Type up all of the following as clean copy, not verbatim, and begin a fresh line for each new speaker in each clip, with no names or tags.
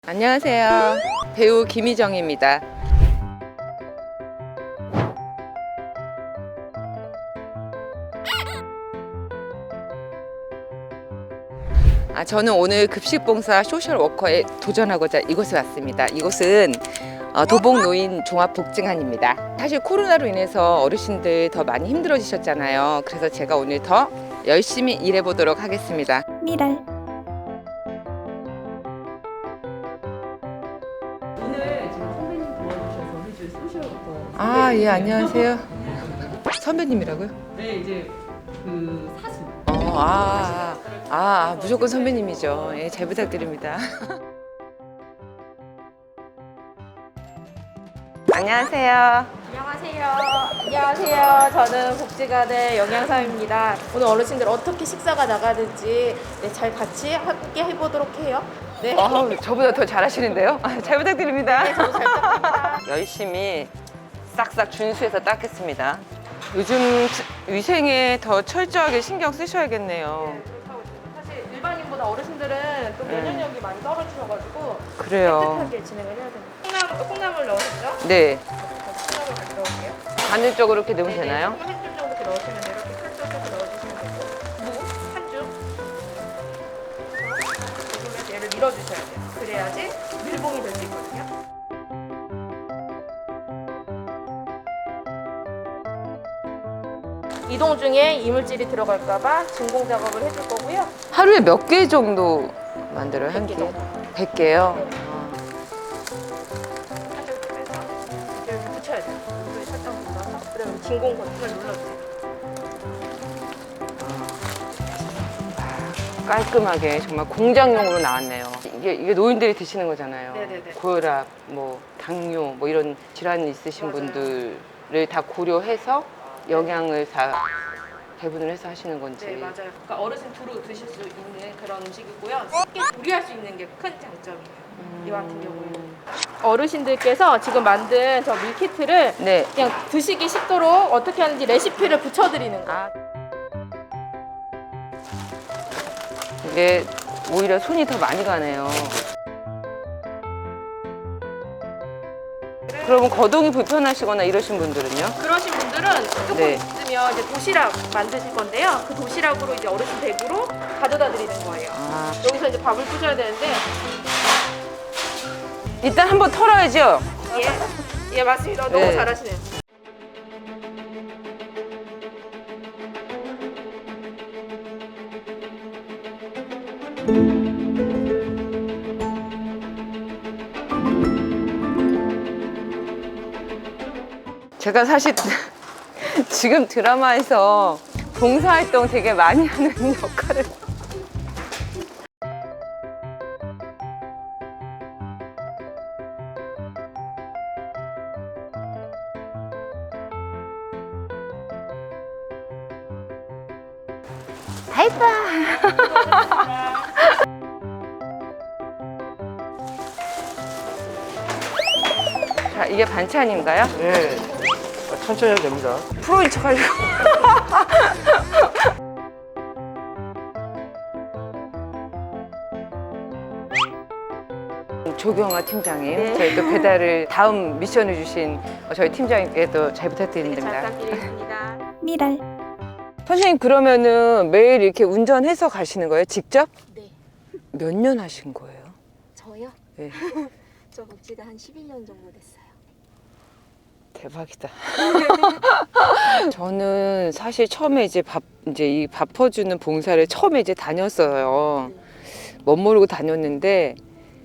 안녕하세요. 배우 김희정입니다. 저는 오늘 급식봉사 소셜워커에 도전하고자 이곳에 왔습니다. 이곳은 도봉노인 종합복지관입니다. 사실 코로나로 인해서 어르신들 더 많이 힘들어지셨잖아요. 그래서 제가 오늘 더 열심히 일해보도록 하겠습니다.
미랄.
오늘 지금 선배님 도와주셔서 해줄 소셜워커.
예, 안녕하세요. 선배님이라고요?
네, 이제 그 사수.
무조건 선배님이죠. 예, 잘 부탁드립니다. 안녕하세요.
안녕하세요. 저는 복지관의 영양사입니다. 오늘 어르신들 어떻게 식사가 나가는지 잘 같이 함께 해보도록 해요. 네.
저보다 더 잘하시는데요? 잘 부탁드립니다.
네, 저도 잘 부탁드립니다.
열심히 싹싹 준수해서 닦겠습니다. 요즘 위생에 더 철저하게 신경 쓰셔야겠네요.
네, 그렇다고 사실 일반인보다 어르신들은 또 면역력이 많이 떨어지셔가지고
그래요.
깨끗하게 진행을 해야 됩니다. 콩나물 넣으셨죠?
네.
콩나물 같이 넣을게요.
간접적으로 이렇게 넣으면
네네,
되나요?
한 줌 정도 이렇게 넣으시면 돼요. 이렇게 칼집해서 넣어주시면 되고 무 한 줌. 조금해서 얘를 밀어주셔야 돼요. 그래야지 밀봉이 될 수 있거든요. 이동 중에 이물질이 들어갈까봐 진공 작업을 해줄 거고요.
하루에 몇 개 정도 만들어요? 한
100개
끼?
정도.
100개요?
네. 살짝 빼서 이렇게 붙여야 돼요. 물에 살짝 묻어서 그러면 진공 버튼을 눌러주세요.
깔끔하게 정말 공장용으로 나왔네요. 이게 노인들이 드시는 거잖아요.
네네네.
고혈압, 당뇨, 이런 질환이 있으신
맞아요.
분들을 다 고려해서 영양을 다 배분을 해서 하시는 건지.
네, 맞아요. 그러니까 어르신 두루 드실 수 있는 그런 음식이고요. 쉽게 조리할 수 있는 게 큰 장점이에요. 이와 같은 경우에는. 어르신들께서 지금 만든 저 밀키트를
네.
그냥 드시기 쉽도록 어떻게 하는지 레시피를 붙여드리는 거예요.
이게 오히려 손이 더 많이 가네요. 그러면 거동이 불편하시거나 이러신 분들은요?
그러신 분들은 조금
네.
있으면 이제 도시락 만드실 건데요. 그 도시락으로 이제 어르신 댁으로 가져다 드리는 거예요. 여기서 이제 밥을 부셔야 되는데
일단 한번 털어야죠.
예 맞습니다. 너무
네.
잘하시네요.
제가 사실 지금 드라마에서 봉사활동 되게 많이 하는 역할을 자, 이게 반찬인가요?
네, 천천히 해도 됩니다.
프로인 척 하려고. 조경아 팀장님, 저희 또 배달을 다음 미션을 주신 저희 팀장님께도 잘
잘
부탁드립니다.
부탁드리겠습니다.
미랄.
선생님 그러면은 매일 이렇게 운전해서 가시는 거예요? 직접?
네,
몇 년 하신 거예요?
저요?
네.
저 복지가 한 11년 정도 됐어요.
대박이다. 저는 사실 처음에 이제 이 밥 퍼주는 봉사를 처음에 이제 다녔어요. 멋모르고 다녔는데,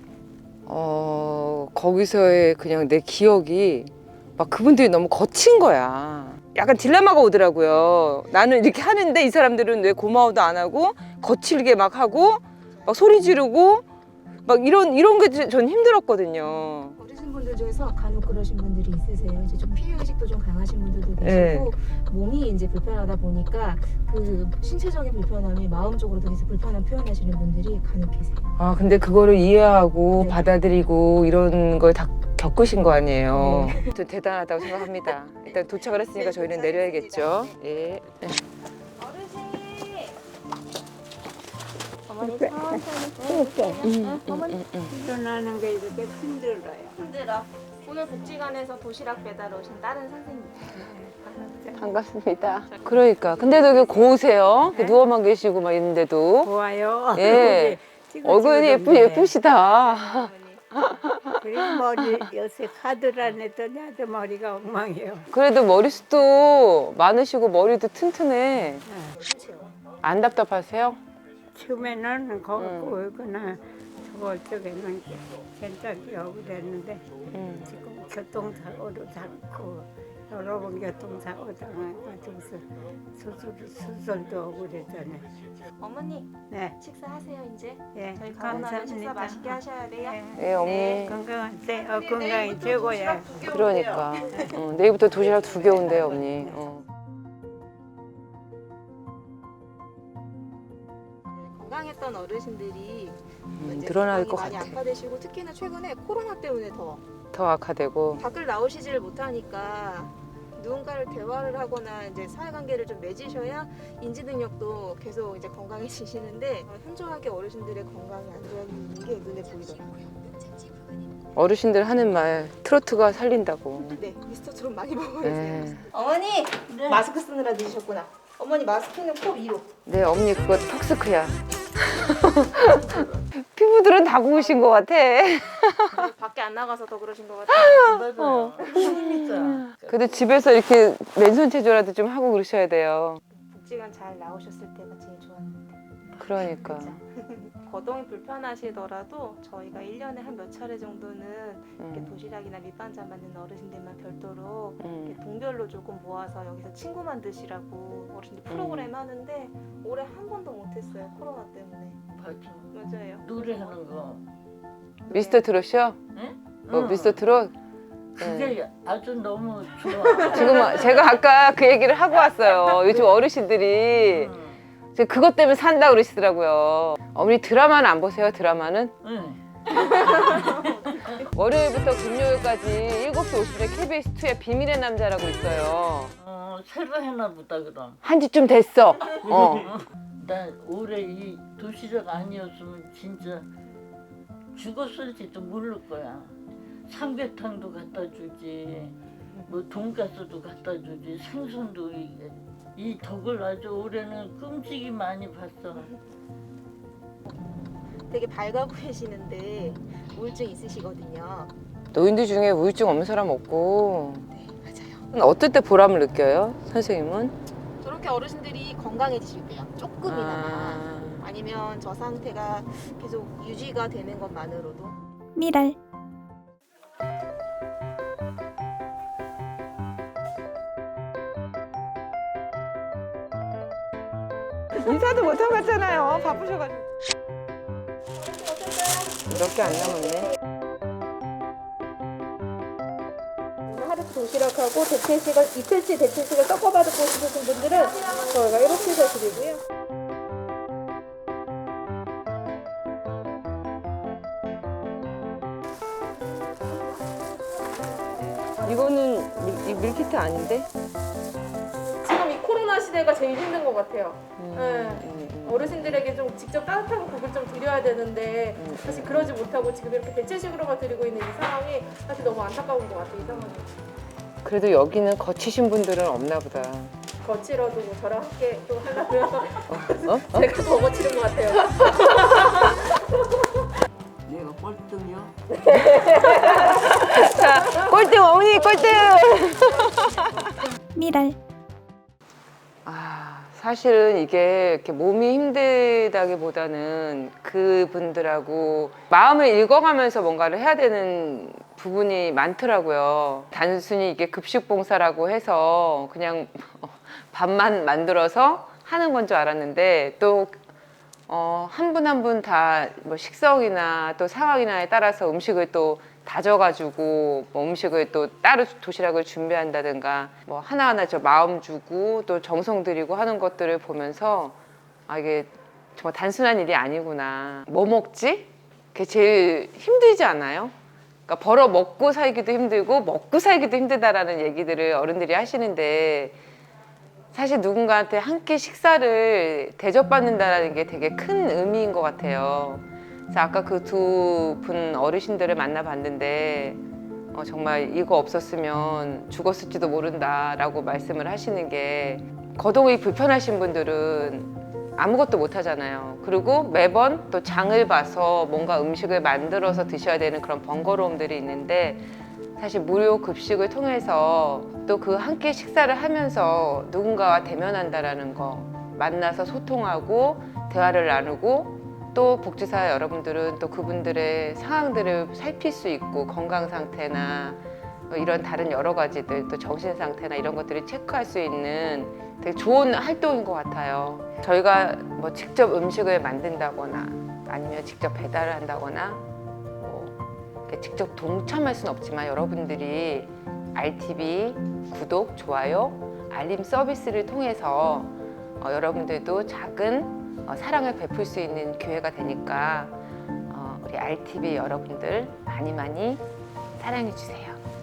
거기서의 그냥 내 기억이 막 그분들이 너무 거친 거야. 약간 딜레마가 오더라고요. 나는 이렇게 하는데 이 사람들은 왜 고마워도 안 하고 거칠게 막 하고 막 소리 지르고 막 이런 게 전 힘들었거든요.
어르신분들 중에서 간혹 그러신 분들이 있으세요. 이제 좀 피해의식도 좀 강하신 분들도
네.
계시고 몸이 이제 불편하다 보니까 그 신체적인 불편함이 마음적으로도 계속 불편함 표현하시는 분들이 간혹 계세요.
근데 그거를 이해하고
네.
받아들이고 이런 걸 다 겪으신 거 아니에요. 저 대단하다고 생각합니다. 일단 도착을 했으니까 저희는 내려야겠죠. 예.
어르신
어머니 천천히. 어머니
일어나는 게 이렇게 힘들어요.
힘들어. 오늘 복지관에서 도시락 배달 오신 다른 선생님.
반갑습니다. 그러니까. 근데도 이게 고우세요.
네?
누워만 계시고 막 있는데도.
좋아요.
예. 얼굴이 예쁘시다.
그리고 머리 요새 카드를 안 했더니 아주 머리가 엉망이에요.
그래도 머리숱도 많으시고 머리도 튼튼해. 안 답답하세요?
처음에는 거기 오거나 저걸 쪽에는 괜찮게 오고 그랬는데 지금 교통사고로 자꾸 여러 번 교통사고 당해가지고서 수술도 오고 그랬잖아요.
어머니
네,
식사하세요 이제.
예,
저희 가고 나면 식사 맛있게 하셔야 돼요.
네, 어머니.
건강하세요. 건강이 최고야.
그러니까. 내일부터 도시락 2개 온대요, 어머니.
건강했던 어르신들이 이제
늘어날
건강이
것
많이
같아.
악화되시고 특히나 최근에 코로나 때문에
더 악화되고.
밖을 나오시질 못하니까 누군가를 대화를 하거나 이제 사회관계를 좀 맺으셔야 인지 능력도 계속 이제 건강해지시는데 현저하게 어르신들의 건강이 안 좋은 게 눈에 보이더라고요.
어르신들 하는 말, 트로트가 살린다고.
네, 미스터트롯 많이 먹어야
네.
돼요. 어머니 마스크 쓰느라 늦으셨구나. 어머니 마스크는 코 위로.
네, 어머니 그거 턱스크야. 피부들은 다 고우신 것 같아.
밖에 안 나가서 더 그러신 것 같아요.
어. 그래도 집에서 이렇게 맨손 체조라도 좀 하고 그러셔야 돼요.
복지관 잘 나오셨을 때가 제일 좋았는데.
그러니까.
거동이 불편하시더라도 저희가 1년에 한 몇 차례 정도는 이렇게
음,
도시락이나 밑반찬 만드는 어르신들만 별도로
음.
이렇게 동별로 조금 모아서 여기서 친구 만드시라고 어르신들 프로그램 하는데 올해 한 번도 못했어요. 코로나 때문에. 맞아요.
노래하는 거.
미스터 트롯이요?
응?
미스터 트롯?
그게 아주 너무 좋아.
지금 제가 아까 그 얘기를 하고 왔어요. 요즘 어르신들이 지금 그것 때문에 산다 그러시더라고요. 어머니 드라마는 안 보세요? 드라마는?
응.
월요일부터 금요일까지 7시 50분에 KBS2에 비밀의 남자라고 있어요.
새로 해나 보다 그럼.
한지 좀 됐어.
나 올해 이 도시락 아니었으면 진짜 죽었을지도 모를 거야. 삼계탕도 갖다 주지, 뭐 돈가스도 갖다 주지, 생선도 이 덕을 아주 올해는 끔찍이 많이 봤어.
되게 밝아 보이시는데 우울증 있으시거든요.
노인들 중에 우울증 없는 사람 없고.
네, 맞아요.
어떨 때 보람을 느껴요? 선생님은?
저렇게 어르신들이 건강해지실 때요. 조금이나마. 아니면 저 상태가 계속 유지가 되는 것만으로도.
미랄.
인사도 못하고 갔잖아요. 바쁘셔가지고. 몇 개 안 남았네.
오늘 하루 도시락하고 대체식을 이틀치 대체식을 섞어받고 싶으신 분들은 저희가 이렇게 해서 드리고요.
이거는 밀키트 아닌데?
지금 이 코로나 시대가 제일 힘든 것 같아요. 어르신들에게 좀 직접 따뜻한 국을 좀 드려야 되는데 사실 그러지 못하고 지금 이렇게 대체식으로만 드리고 있는 이 상황이 사실 너무 안타까운 것 같아요. 이 상황이.
그래도 여기는 거치신 분들은 없나 보다.
거칠어도 뭐 저랑 함께 또 하려면 제가 더 거칠은 것 같아요.
내가 꼴등이요?
자, 꼴등 어머니 꼴등!
미랄.
사실은 이게 이렇게 몸이 힘들다기보다는 그분들하고 마음을 읽어가면서 뭔가를 해야 되는 부분이 많더라고요. 단순히 이게 급식봉사라고 해서 그냥 밥만 만들어서 하는 건 줄 알았는데 또 한 분 한 분 다 뭐 식성이나 또 상황이나에 따라서 음식을 또 다져가지고 뭐 음식을 또 따로 도시락을 준비한다든가 뭐 하나하나 저 마음 주고 또 정성 들이고 하는 것들을 보면서 아 이게 정말 단순한 일이 아니구나. 뭐 먹지? 그게 제일 힘들지 않아요? 그러니까 벌어 먹고 살기도 힘들고 먹고 살기도 힘들다라는 얘기들을 어른들이 하시는데 사실 누군가한테 한 끼 식사를 대접받는다는 게 되게 큰 의미인 것 같아요. 그래서 아까 그 두 분 어르신들을 만나봤는데 정말 이거 없었으면 죽었을지도 모른다라고 말씀을 하시는 게 거동이 불편하신 분들은 아무것도 못 하잖아요. 그리고 매번 또 장을 봐서 뭔가 음식을 만들어서 드셔야 되는 그런 번거로움들이 있는데 사실 무료 급식을 통해서 또 그 한 끼 식사를 하면서 누군가와 대면한다라는 거, 만나서 소통하고 대화를 나누고 또 복지사 여러분들은 또 그분들의 상황들을 살필 수 있고 건강 상태나 이런 다른 여러 가지들 또 정신 상태나 이런 것들을 체크할 수 있는 되게 좋은 활동인 것 같아요. 저희가 뭐 직접 음식을 만든다거나 아니면 직접 배달을 한다거나 이렇게 직접 동참할 수는 없지만 여러분들이 RTV 구독, 좋아요, 알림 서비스를 통해서 여러분들도 작은 사랑을 베풀 수 있는 기회가 되니까 우리 RTV 여러분들 많이 많이 사랑해 주세요.